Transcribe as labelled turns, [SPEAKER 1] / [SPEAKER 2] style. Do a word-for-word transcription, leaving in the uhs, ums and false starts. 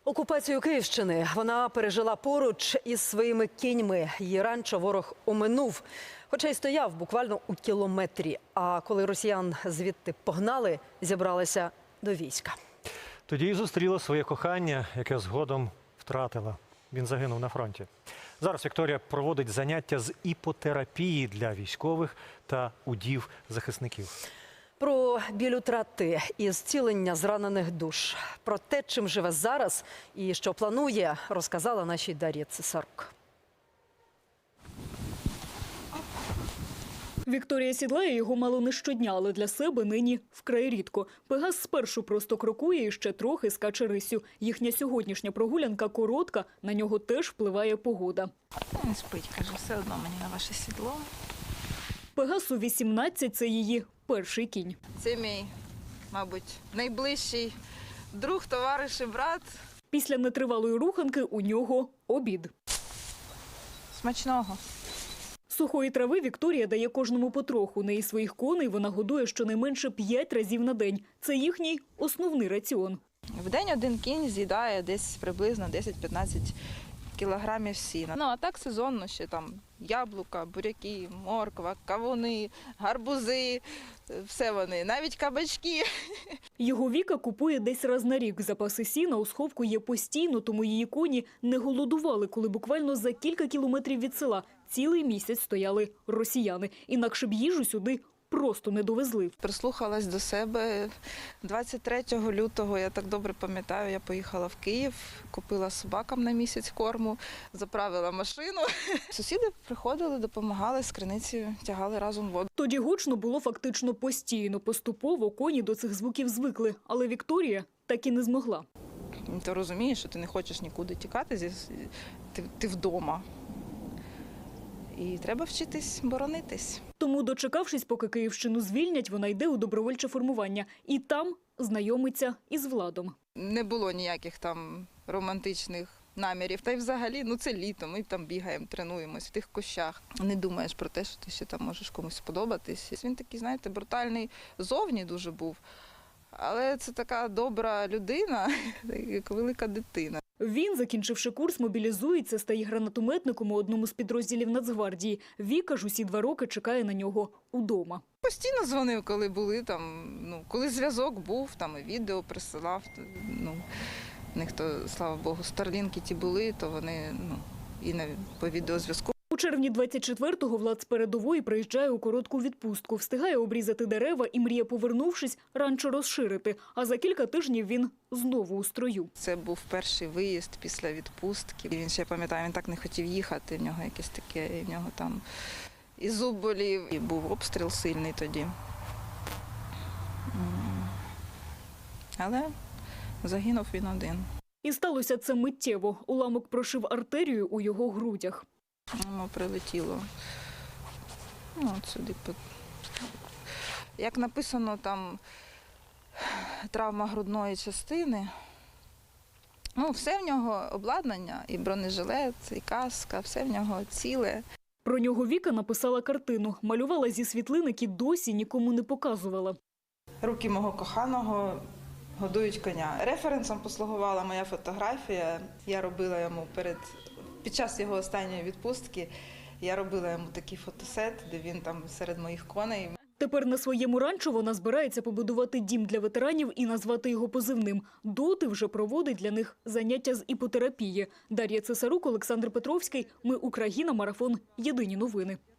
[SPEAKER 1] Окупацію Київщини вона пережила поруч із своїми кіньми. Її ранчо ворог оминув, хоча й стояв буквально у кілометрі. А коли росіян звідти погнали, зібралися до війська.
[SPEAKER 2] Тоді й зустріла своє кохання, яке згодом втратила. Він загинув на фронті. Зараз Вікторія проводить заняття з іпотерапії для військових та удів захисників. Про біль утрати і зцілення зранених душ. Про те, чим живе зараз і що планує, розказала нашій Дар'я Цесарук.
[SPEAKER 3] Вікторія сідлає його мало не щодня, але для себе нині вкрай рідко. Пегас спершу просто крокує і ще трохи скаче рисю. Їхня сьогоднішня прогулянка коротка, на нього теж впливає погода.
[SPEAKER 4] Не спить, каже, все одно мені на ваше сідло.
[SPEAKER 3] Пегасу вісімнадцять – це її перший кінь.
[SPEAKER 4] Це мій, мабуть, найближчий друг, товариш і брат.
[SPEAKER 3] Після нетривалої руханки у нього обід.
[SPEAKER 4] Смачного.
[SPEAKER 3] Сухої трави Вікторія дає кожному потроху. Неї своїх коней вона годує щонайменше п'ять разів на день. Це їхній основний раціон.
[SPEAKER 4] В день один кінь з'їдає десь приблизно десять-п'ятнадцять кілограмів сіна. Ну, а так сезонно ще там яблука, буряки, морква, кавуни, гарбузи, все вони, навіть кабачки.
[SPEAKER 3] Його Віка купує десь раз на рік. Запаси сіна у сховку є постійно, тому її коні не голодували, коли буквально за кілька кілометрів від села цілий місяць стояли росіяни. Інакше б їжу сюди просто не довезли.
[SPEAKER 4] Прислухалась до себе. двадцять третього лютого, я так добре пам'ятаю, я поїхала в Київ, купила собакам на місяць корму, заправила машину. Сусіди приходили, допомагали, з криниці тягали разом воду.
[SPEAKER 3] Тоді гучно було фактично постійно. Поступово коні до цих звуків звикли. Але Вікторія так і не змогла.
[SPEAKER 4] Ти розумієш, що ти не хочеш нікуди тікати, ти, ти вдома. І треба вчитись боронитись.
[SPEAKER 3] Тому, дочекавшись, поки Київщину звільнять, вона йде у добровольче формування. І там знайомиться із Владом.
[SPEAKER 4] Не було ніяких там романтичних намірів. Та й взагалі, ну це літо, ми там бігаємо, тренуємось в тих кущах. Не думаєш про те, що ти ще там можеш комусь сподобатись. Він такий, знаєте, брутальний зовні дуже був. Але це така добра людина, як велика дитина.
[SPEAKER 3] Він, закінчивши курс, мобілізується, стає гранатометником у одному з підрозділів Нацгвардії. Віка ж усі два роки чекає на нього удома.
[SPEAKER 4] Постійно дзвонив, коли були там, ну, коли зв'язок був, там і відео присилав. Ну, в них то, слава Богу, старлінки ті були, то вони, ну, і на, по відеозв'язку.
[SPEAKER 3] У червні двадцять четвертого Влад з передової приїжджає у коротку відпустку, встигає обрізати дерева і мріє, повернувшись, ранчо розширити. А за кілька тижнів він знову у строю.
[SPEAKER 4] Це був перший виїзд після відпустки. Він ще, пам'ятаю, він так не хотів їхати, в нього якесь таке, в нього там і зуб болів, і був обстріл сильний тоді. Але загинув він один.
[SPEAKER 3] І сталося це миттєво. Уламок прошив артерію у його грудях.
[SPEAKER 4] Воно прилетіло, ну, от сюди. Як написано, там травма грудної частини. Ну, все в нього обладнання, і бронежилет, і каска, все в нього ціле.
[SPEAKER 3] Про нього Віка написала картину, малювала зі світлин, які досі нікому не показувала.
[SPEAKER 4] Руки мого коханого годують коня. Референсом послугувала моя фотографія. Я робила йому перед, під час його останньої відпустки, я робила йому такий фотосет, де він там серед моїх коней.
[SPEAKER 3] Тепер на своєму ранчо вона збирається побудувати дім для ветеранів і назвати його позивним. Доти вже проводить для них заняття з іпотерапії. Дар'я Цесарук, Олександр Петровський. Ми Україна. Марафон. Єдині новини.